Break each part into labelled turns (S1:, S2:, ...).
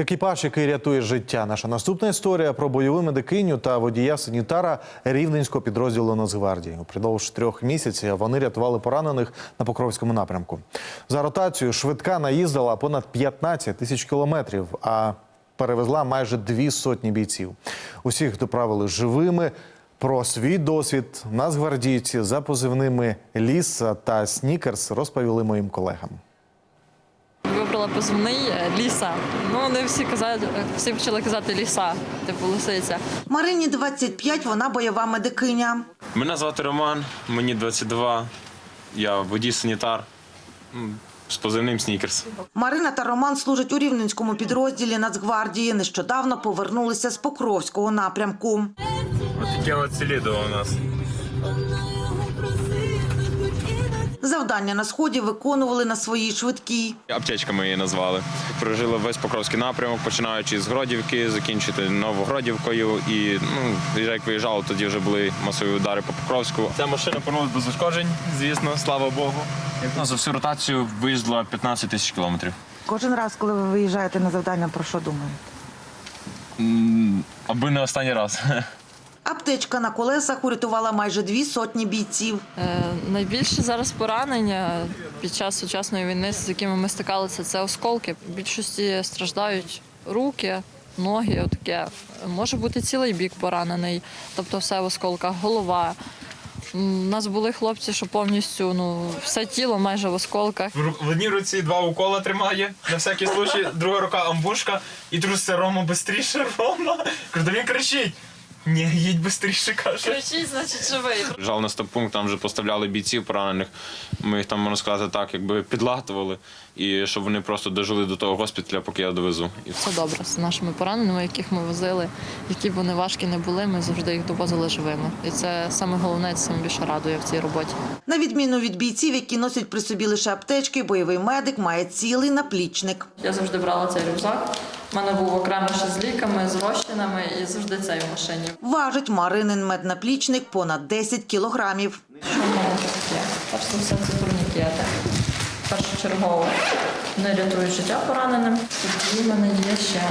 S1: Екіпаж, який рятує життя. Наша наступна історія про бойову медикиню та водія-санітара рівненського підрозділу Нацгвардії. Упродовж 3 місяців вони рятували поранених на Покровському напрямку. За ротацію швидка наїздила понад 15 тисяч кілометрів, а перевезла майже 200 бійців. Усіх доправили живими. Про свій досвід нацгвардійці за позивними «Ліса» та «Снікерс» розповіли моїм колегам.
S2: Вибрала позивний «Ліса». Вони всі почали казати «Ліса», типу лисиця.
S3: Марині 25, вона бойова медикиня.
S4: Мене звати Роман, мені 22, я водій-санітар з позивним «Снікерс».
S3: Марина та Роман служать у рівненському підрозділі Нацгвардії. Нещодавно повернулися з Покровського напрямку.
S4: Ось таке от селідо у нас.
S3: Завдання на сході виконували на своїй швидкій.
S4: Аптечка ми її назвали. Прожили весь Покровський напрямок, починаючи з Гродівки, закінчити Новогродівкою. І як виїжджали, тоді вже були масові удари по Покровську. Ця машина повернулася без ушкоджень, звісно, слава Богу. За всю ротацію виїздила 15 тисяч кілометрів.
S3: Кожен раз, коли ви виїжджаєте на завдання, про що думаєте?
S4: Аби не останній раз.
S3: Аптечка на колесах урятувала майже 200 бійців.
S2: Найбільше зараз поранення під час сучасної війни, з якими ми стикалися, це осколки. В більшості страждають руки, ноги, отаке. Може бути цілий бік поранений, тобто все в осколках, голова. У нас були хлопці, що повністю все тіло майже в осколках.
S4: В одній руці 2 укола тримає, на всякий случай, друга рука амбушка, і труситься: Рома, бистріше, Рома. Кажу, він кричить. Ні, їдь швидше, каже.
S2: Кричить, значить живий.
S4: Жал на стоп-пункт, там вже поставляли бійців поранених. Ми їх там, можна сказати так, якби підлатували, і щоб вони просто дожили до того госпіталя, поки я довезу.
S2: Все добре з нашими пораненими, яких ми возили, які б вони важкі не були, ми завжди їх довозили живими. І це саме головне, це саме більше радує в цій роботі.
S3: На відміну від бійців, які носять при собі лише аптечки, бойовий медик має цілий наплічник.
S2: Я завжди брала цей рюкзак. У мене був окремо ще з ліками, з розчинами і завжди цей в машині.
S3: Важить Маринин меднаплічник понад 10 кілограмів.
S2: Що в мене тут є? Перш за все, це турнікети. Першочергово вони рятують життя пораненим. Тоді в мене є ще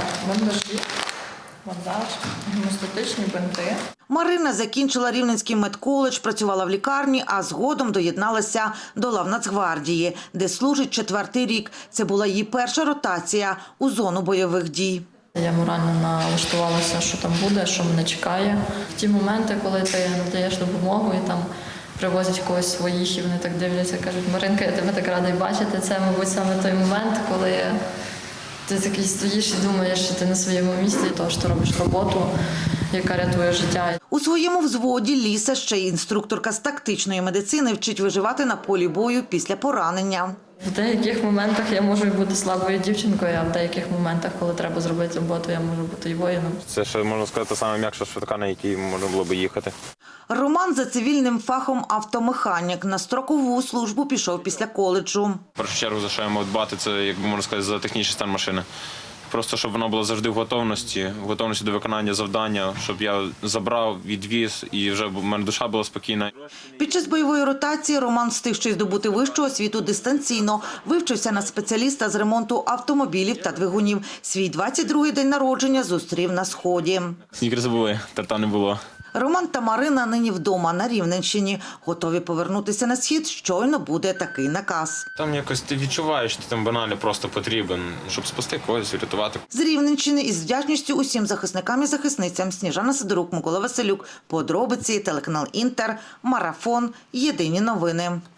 S2: бандаж, гемостатичні бинти.
S3: Марина закінчила Рівненський медколедж, працювала в лікарні, а згодом доєдналася до лав Нацгвардії, де служить 4-й рік. Це була її перша ротація у зону бойових дій.
S2: Я морально налаштувалася, що там буде, що мене чекає. В ті моменти, коли ти надаєш допомогу і там привозять когось своїх, і вони так дивляться, кажуть: Маринка, я тебе так радий бачити. Це, мабуть, саме той момент, коли ти такий стоїш і думаєш, що ти на своєму місці, того, що ти робиш роботу, яка рятує життя.
S3: У своєму взводі Ліса, ще й інструкторка з тактичної медицини, вчить виживати на полі бою після поранення.
S2: В деяких моментах я можу бути слабою дівчинкою, а в деяких моментах, коли треба зробити роботу, я можу бути і воїном.
S4: Це, що можна сказати, найм'якша швидка, на якій можна було б їхати.
S3: Роман за цивільним фахом автомеханік. На строкову службу пішов після коледжу.
S4: В першу чергу, за що я мав дбати, це, як би можна сказати, за технічний стан машини. Просто, щоб вона була завжди в готовності до виконання завдання, щоб я забрав, відвіз, і вже в мене душа була спокійна.
S3: Під час бойової ротації Роман встиг ще й здобути вищу освіту дистанційно. Вивчився на спеціаліста з ремонту автомобілів та двигунів. Свій 22-й день народження зустрів на Сході.
S4: Снікерси були, тарта не було.
S3: Роман та Марина нині вдома на Рівненщині. Готові повернутися на схід, щойно буде такий наказ.
S4: Там якось ти відчуваєш, що ти там банально просто потрібен, щоб спасти когось, врятувати.
S3: З Рівненщини із вдячністю усім захисникам і захисницям. Сніжана Сидорук, Микола Василюк. Подробиці, телеканал Інтер, Марафон. Єдині новини.